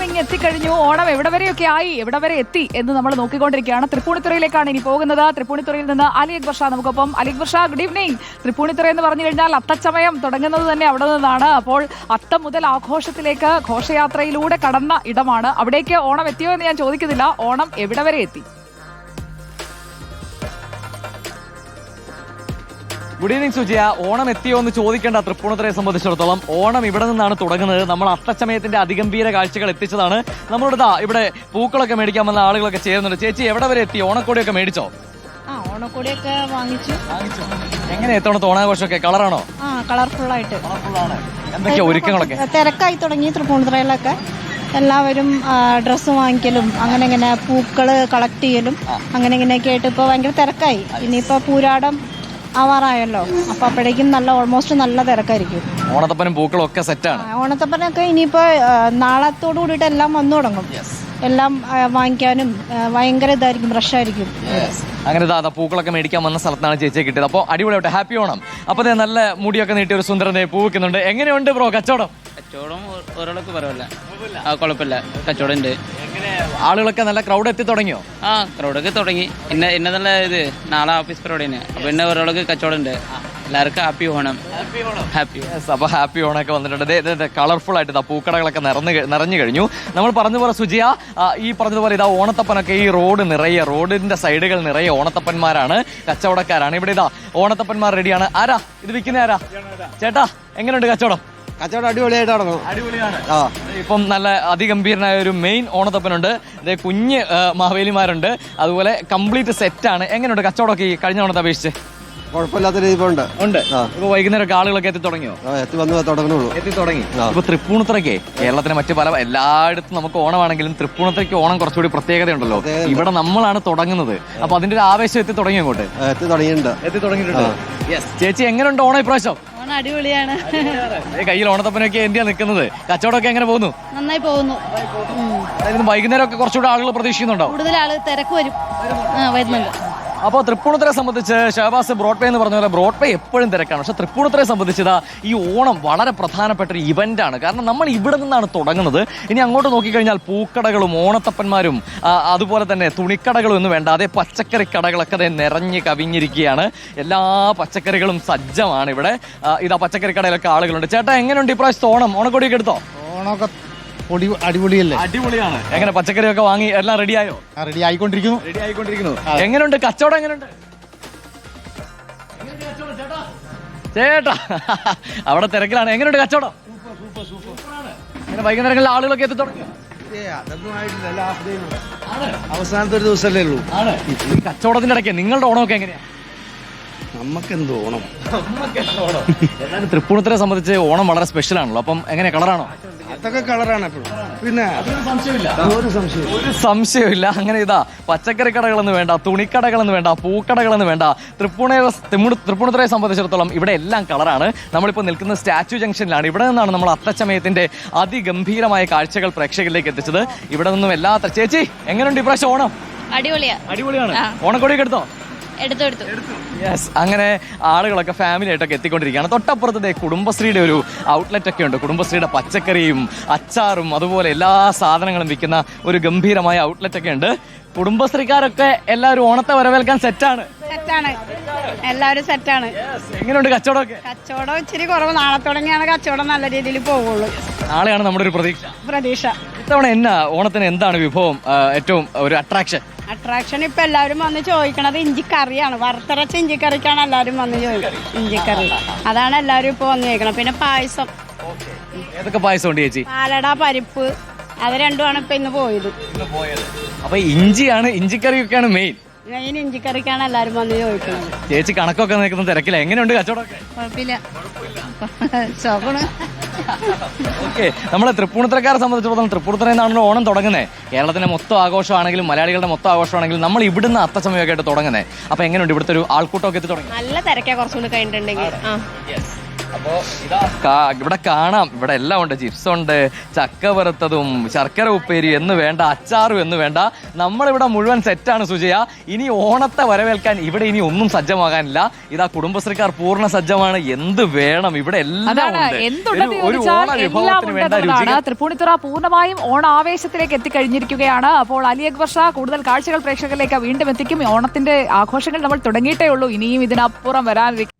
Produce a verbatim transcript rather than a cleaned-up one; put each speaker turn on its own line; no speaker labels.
ഇങ്ങ് എത്തിക്കഴിഞ്ഞു. ഓണം എവിടെ വരെയൊക്കെ ആയി, എവിടെ വരെ എത്തി എന്ന് നമ്മൾ നോക്കിക്കൊണ്ടിരിക്കുകയാണ്. തൃപ്പൂണിത്തുറയിലേക്കാണ് ഇനി പോകുന്നത്. തൃപ്പൂണിത്തുറയിൽ നിന്ന് അലി അക്ബർ ഷാ നമുക്കൊപ്പം. Ali Akbar Shah, good evening. തൃപ്പൂണിത്തുറ എന്ന് പറഞ്ഞു കഴിഞ്ഞാൽ അത്തച്ചമയം തുടങ്ങുന്നത് തന്നെ അവിടെ നിന്നാണ്. അപ്പോൾ അത്തം മുതൽ ആഘോഷത്തിലേക്ക് ഘോഷയാത്രയിലൂടെ കടന്ന ഇടമാണ്. അവിടേക്ക് ഓണം എത്തിയോ എന്ന് ഞാൻ ചോദിക്കുന്നില്ല, ഓണം എവിടെ വരെ എത്തി?
Good evening സുജിയ. ഓണം എത്തിയോ എന്ന് ചോദിക്കേണ്ട തൃപ്പൂണിത്തുറയെ സംബന്ധിച്ചിടത്തോളം ഓണം ഇവിടെ നിന്നാണ് തുടങ്ങുന്നത്. നമ്മൾ അത്തച്ചമയത്തിന്റെ അതിഗംഭീര കാഴ്ചകൾ എത്തിച്ചതാണ്. നമ്മളോട് ദാ ഇവിടെ പൂക്കളൊക്കെ മേടിക്കാൻ വന്ന ആളുകളൊക്കെ ചേരുന്നുണ്ട്. ചേച്ചി എവിടെ വരെ എത്തി? ഓണക്കോടിയൊക്കെ മേടിച്ചോ?
ആ ഓണക്കോടിയൊക്കെ വാങ്ങിച്ചു.
എങ്ങനെ എത്തണത്ത് ഓണാഘോഷമൊക്കെ? കളറാണോ?
ആ കളർഫുൾ ആയിട്ട്.
എന്തൊക്കെയാ ഒരുക്കങ്ങളൊക്കെ?
തിരക്കായി തുടങ്ങി തൃപ്പൂണിത്തുറയിലൊക്കെ. എല്ലാവരും ഡ്രസ്സ് വാങ്ങിക്കലും അങ്ങനെ ഇങ്ങനെ പൂക്കള് കളക്ട് ചെയ്യലും അങ്ങനെ ഇങ്ങനെയൊക്കെ ആയിട്ട് ഇപ്പൊ ഭയങ്കര തിരക്കായി. ഇനിയിപ്പോ പൂരാടം ആവാറായല്ലോ, അപ്പൊ അപ്പോഴേക്കും നല്ല ഓൾമോസ്റ്റ് നല്ല തിരക്കായിരിക്കും.
ഓണത്തപ്പനും പൂക്കളും ഒക്കെ സെറ്റാണ്.
ഓണത്തപ്പനൊക്കെ ഇനിയിപ്പോ നാളത്തോടു കൂടിയിട്ട് എല്ലാം വന്നു തുടങ്ങും. എല്ലാം വാങ്ങിക്കാനും ഭയങ്കര ഇതായിരിക്കും, റഷായിരിക്കും.
അങ്ങനെ ദാ പൂക്കളൊക്കെ മേടിക്കാൻ വന്ന സ്ഥലത്താണ് ചേച്ചിയെ കിട്ടിയത്. അപ്പോൾ അടിപൊളിയായിട്ട് ഹാപ്പി ഓണം. അപ്പൊ നല്ല മുടിയൊക്കെ നീട്ടി ഒരു സുന്ദരനെ പൂ വെക്കുന്നുണ്ട്. എങ്ങനെയുണ്ട് ബ്രോ കച്ചവടം?
കച്ചവടം ഒരാൾക്ക് പറയല്ല, കുഴപ്പമില്ല, കച്ചവടം ഉണ്ട്.
ആളുകളൊക്കെ നല്ല ക്രൗഡ് എത്തി തുടങ്ങിയോ?
ആ ക്രൗഡൊക്കെ തുടങ്ങി. ഇന്ന ഇന്ന നല്ല ഇത് നാളെ ഓഫീസ് പരിപാടിയാണ്. അപ്പൊ ഇന്ന ഒരാൾക്ക് കച്ചവടം ഉണ്ട്. എല്ലാവർക്കും ഹാപ്പി ഓണം. ഹാപ്പി
അപ്പൊ ഹാപ്പി ഓണൊക്കെ വന്നിട്ടുണ്ട്. കളർഫുൾ ആയിട്ട് ഇതാ പൂക്കടകളൊക്കെ നിറഞ്ഞു നിറഞ്ഞു കഴിഞ്ഞു. നമ്മൾ പറഞ്ഞതുപോലെ സുജിയ, ഈ പറഞ്ഞതുപോലെ ഇതാ ഓണത്തപ്പനൊക്കെ ഈ റോഡ് നിറയെ, റോഡിന്റെ സൈഡുകൾ നിറയെ ഓണത്തപ്പന്മാരാണ്, കച്ചവടക്കാരാണ്. ഇവിടെ ഇതാ ഓണത്തപ്പന്മാർ റെഡിയാണ്. ആരാ ഇത് വിൽക്കുന്ന? ആരാ ചേട്ടാ? എങ്ങനെയുണ്ട് കച്ചവടം?
കച്ചവടം അടിപൊളിയായിട്ട് നടന്നു.
അടിപൊളിയാണ്. ഇപ്പം നല്ല അതിഗംഭീരനായ ഒരു മെയിൻ ഓണത്തപ്പനുണ്ട്. ഇതേ കുഞ്ഞ് മാവേലിമാരുണ്ട്. അതുപോലെ കംപ്ലീറ്റ് സെറ്റാണ്. എങ്ങനെയുണ്ട് കച്ചവടമൊക്കെ ഈ കഴിഞ്ഞ ഓണത്തെ അപേക്ഷിച്ച്?
കുഴപ്പമില്ലാത്ത രീതിയിലുണ്ട്.
ഉണ്ട്. ഇപ്പൊ വൈകുന്നേരം ആളുകളൊക്കെ എത്തി തുടങ്ങിയോ?
എത്തി വന്ന് തുടങ്ങുന്നുള്ളൂ.
എത്തി തുടങ്ങി. ഇപ്പൊ തൃപ്പൂണിത്തുറയ്ക്ക് കേരളത്തിലെ മറ്റു പല എല്ലായിടത്തും നമുക്ക് ഓണമാണെങ്കിലും തൃപ്പൂണിത്തുറയ്ക്ക് ഓണം കുറച്ചുകൂടി പ്രത്യേകതയുണ്ടല്ലോ. ഇവിടെ നമ്മളാണ് തുടങ്ങുന്നത്. അപ്പൊ അതിന്റെ ഒരു ആവേശം എത്തി തുടങ്ങി അങ്ങോട്ട്.
എത്തി തുടങ്ങിയിട്ടുണ്ട്.
എത്തി തുടങ്ങിയിട്ടുണ്ട്. ചേച്ചി എങ്ങനെയുണ്ട് ഓണം ഇപ്രാവശ്യം?
അടിപൊളിയാണ്.
കയ്യിൽ ഓണത്തപ്പനൊക്കെ എന്തിയാ നിൽക്കുന്നത്? കച്ചവടമൊക്കെ എങ്ങനെ പോകുന്നു?
നന്നായി പോകുന്നു.
വൈകുന്നേരം ഒക്കെ കുറച്ചുകൂടെ ആളുകൾ പ്രതീക്ഷിക്കുന്നുണ്ടോ?
കൂടുതൽ ആള് തിരക്ക് വരും, വരുന്നുണ്ട്.
അപ്പോൾ തൃപ്പൂണിത്തുറയെ സംബന്ധിച്ച് ഷഹബാസ് ബ്രോഡ്വേ എന്ന് പറഞ്ഞ പോലെ ബ്രോഡ്വേ എപ്പോഴും തിരക്കാണ്. പക്ഷെ തൃപ്പൂണിത്തുറയെ സംബന്ധിച്ചത് ഈ ഓണം വളരെ പ്രധാനപ്പെട്ട ഒരു ഇവന്റ് ആണ്. കാരണം നമ്മൾ ഇവിടെ നിന്നാണ് തുടങ്ങുന്നത്. ഇനി അങ്ങോട്ട് നോക്കിക്കഴിഞ്ഞാൽ പൂക്കടകളും ഓണത്തപ്പന്മാരും അതുപോലെ തന്നെ തുണിക്കടകളും എന്ന് വേണ്ട, അതേ പച്ചക്കറി കടകളൊക്കെ അതേ നിറഞ്ഞ് കവിഞ്ഞിരിക്കുകയാണ്. എല്ലാ പച്ചക്കറികളും സജ്ജമാണ് ഇവിടെ. ഇതാ പച്ചക്കറി കടയിലൊക്കെ ആളുകളുണ്ട്. ചേട്ടാ എങ്ങനെയുണ്ട് ഇപ്രാവശ്യത്തെ ഓണം? ഓണക്കോടിയൊക്കെ എടുത്തോ?
ഓണമൊക്കെ അടിപൊളിയല്ലേ?
അടിപൊളിയാണ്. എങ്ങനെ പച്ചക്കറിയൊക്കെ വാങ്ങി എല്ലാം റെഡിയായോ?
റെഡി ആയിക്കൊണ്ടിരിക്കുന്നു.
റെഡി ആയിക്കൊണ്ടിരിക്കുന്നു. എങ്ങനെയുണ്ട് കച്ചവടം? എങ്ങനെയുണ്ട് ചേട്ടാ? അവിടെ തിരക്കിലാണ്. എങ്ങനെയുണ്ട് കച്ചവടം? വൈകുന്നേരങ്ങളിൽ ആളുകളൊക്കെ എത്തി തുടങ്ങിയോ?
അവസാനത്തെ ഒരു ദിവസമല്ലേ ഉള്ളൂ.
ഈ കച്ചവടത്തിന്റെ ഇടയ്ക്ക് നിങ്ങളുടെ ഓണമൊക്കെ എങ്ങനെയാ?
നമുക്കെന്ത് ഓണം.
എന്നാലും തൃപ്പൂണിത്തുറയെ സംബന്ധിച്ച് ഓണം വളരെ സ്പെഷ്യൽ ആണല്ലോ. അപ്പം എങ്ങനെ കളറാണോ?
അതൊക്കെ കളറാണ് എപ്പോഴും. പിന്നെ
സംശയമില്ല,
ഒരു സംശയം
ഒരു സംശയമില്ല. അങ്ങനെ ഇതാ പച്ചക്കറി കടകളെന്ന് വേണ്ട, തുണിക്കടകളെന്ന് വേണ്ട, പൂക്കടകളെന്ന് വേണ്ട, തൃപ്പൂണിത്തുറ തൃപ്പൂണിത്തുറയെ സംബന്ധിച്ചിടത്തോളം ഇവിടെ എല്ലാം കളറാണ്. നമ്മളിപ്പോൾ നിൽക്കുന്ന സ്റ്റാച്യു ജംഗ്ഷനിലാണ്. ഇവിടെ നിന്നാണ് നമ്മൾ അത്തച്ചമയത്തിന്റെ അതിഗംഭീരമായ കാഴ്ചകൾ പ്രേക്ഷകരിലേക്ക് എത്തിച്ചത്. ഇവിടെ നിന്നും എല്ലാ ചേച്ചി എങ്ങനെയുണ്ട് ഇപ്രാവശ്യം ഓണം?
അടിപൊളിയാ.
അടിപൊളിയാണ്. ഓണക്കോടിയൊക്കെ എടുത്തോ?
എടുത്തു എടുത്തു.
യെസ്. അങ്ങനെ ആളുകളൊക്കെ ഫാമിലി ആയിട്ടൊക്കെ എത്തിക്കൊണ്ടിരിക്കുകയാണ്. തൊട്ടപ്പുറത്തെ കുടുംബശ്രീയുടെ ഒരു ഔട്ട്ലെറ്റ് ഒക്കെ ഉണ്ട്. കുടുംബശ്രീയുടെ പച്ചക്കറിയും അച്ചാറും അതുപോലെ എല്ലാ സാധനങ്ങളും വിൽക്കുന്ന ഒരു ഗംഭീരമായ ഔട്ട്ലെറ്റ് ഒക്കെ ഉണ്ട്. കുടുംബശ്രീക്കാരൊക്കെ എല്ലാവരും ഓണത്തെ വരവേൽക്കാൻ സെറ്റാണ്.
സെറ്റാണ്, എല്ലാവരും സെറ്റാണ്.
എങ്ങനെയുണ്ട് കച്ചവടമൊക്കെ?
കച്ചവടം ഇച്ചിരി കുറവ്. നാളെ തുടങ്ങിയാണ് കച്ചവടം നല്ല രീതിയിൽ പോവുള്ളൂ.
നാളെയാണ് നമ്മുടെ ഒരു പ്രതീക്ഷ.
പ്രതീക്ഷ.
ഇത്തവണ എന്നാ ഓണത്തിന് എന്താണ് വിഭവം ഏറ്റവും ഒരു അട്രാക്ഷൻ?
അട്രാക്ഷൻ ഇപ്പൊ എല്ലാവരും വന്ന് ചോദിക്കണത് ഇഞ്ചിക്കറിയാണ്. വറുത്തരച്ച ഇഞ്ചിക്കറിക്കാണ് എല്ലാവരും വന്ന് ചോദിക്കുന്നത്. ഇഞ്ചിക്കറി അതാണ് എല്ലാവരും ഇപ്പൊ വന്ന് ചോദിക്കണം. പിന്നെ പായസം.
ഏതൊക്കെ പായസം ഉണ്ട് ചേച്ചി?
പാലട, പരിപ്പ്, അത് രണ്ടുമാണ് ഇപ്പൊ ഇന്ന് പോയത്.
അപ്പൊ ഇഞ്ചിയാണ്, ഇഞ്ചിക്കറിയൊക്കെയാണ് മെയിൻ.
മെയിൻ ഇഞ്ചിക്കറിക്കാണ് എല്ലാവരും വന്ന് ചോദിക്കുന്നത്.
ചേച്ചി കണക്കൊക്കെ നിൽക്കുന്ന തിരക്കില്ല. എങ്ങനെയുണ്ട് കച്ചവടമൊക്കെ?
കുഴപ്പമില്ല. ചോക്കണ്.
ഓക്കെ. നമ്മളെ തൃപ്പൂണിത്തുറക്കാരെ സംബന്ധിച്ചിടത്തോളം തൃപ്പൂണിത്തുറയിൽ നിന്നാണല്ലോ ഓണം തുടങ്ങുന്നത്. കേരളത്തിന്റെ മൊത്തം ആഘോഷമാണെങ്കിലും മലയാളികളുടെ മൊത്തം ആഘോഷമാണെങ്കിലും നമ്മൾ ഇവിടുന്ന് അത്തച്ചമയൊക്കെ ആയിട്ട് തുടങ്ങുന്നത്. അപ്പൊ എങ്ങനെയുണ്ട് ഇവിടുത്തെ ഒരു ആൾക്കൂട്ടമൊക്കെ എത്തി തുടങ്ങി?
നല്ല തിരക്കാ കുറച്ചുകൂടി കഴിഞ്ഞിട്ടുണ്ടെങ്കിൽ.
അപ്പോ ഇതാ കാ- ഇവിടെ കാണാം, ഇവിടെ എല്ലാം ഉണ്ട്. ചിപ്സ് ഉണ്ട്, ചക്ക വറുത്തതും ശർക്കര ഉപ്പേരി എന്ന് വേണ്ട, അച്ചാറും എന്ന് വേണ്ട, നമ്മളിവിടെ മുഴുവൻ സെറ്റാണ് സുജയ. ഇനി ഓണത്തെ വരവേൽക്കാൻ ഇവിടെ ഇനി ഒന്നും സജ്ജമാകാനില്ല. ഇതാ കുടുംബശ്രീക്കാർ പൂർണ്ണ സജ്ജമാണ്. എന്ത് വേണം ഇവിടെ എല്ലാം
അതാണ്
ഉണ്ട്.
എന്തുണ്ടെന്ന്
ഒരു- ഒരു
ചോദിച്ചാൽ
ഓണ
എല്ലാം
വിഭവത്തിന് വേണ്ട
ഉണ്ടെന്നതാണ്.
രുചികൾ
തൃപ്പൂണിത്തുറ പൂർണ്ണമായും ഓണാവേശത്തിലേക്ക് എത്തിക്കഴിഞ്ഞിരിക്കുകയാണ്. അപ്പോൾ അലി അക്ബർ ഷാ കൂടുതൽ കാഴ്ചകൾ പ്രേക്ഷകരിലേക്ക് വീണ്ടും എത്തിക്കും. ഓണത്തിന്റെ ആഘോഷങ്ങൾ നമ്മൾ തുടങ്ങിയിട്ടേ ഉള്ളൂ, ഇനിയും ഇതിനപ്പുറം വരാനിരിക്കും.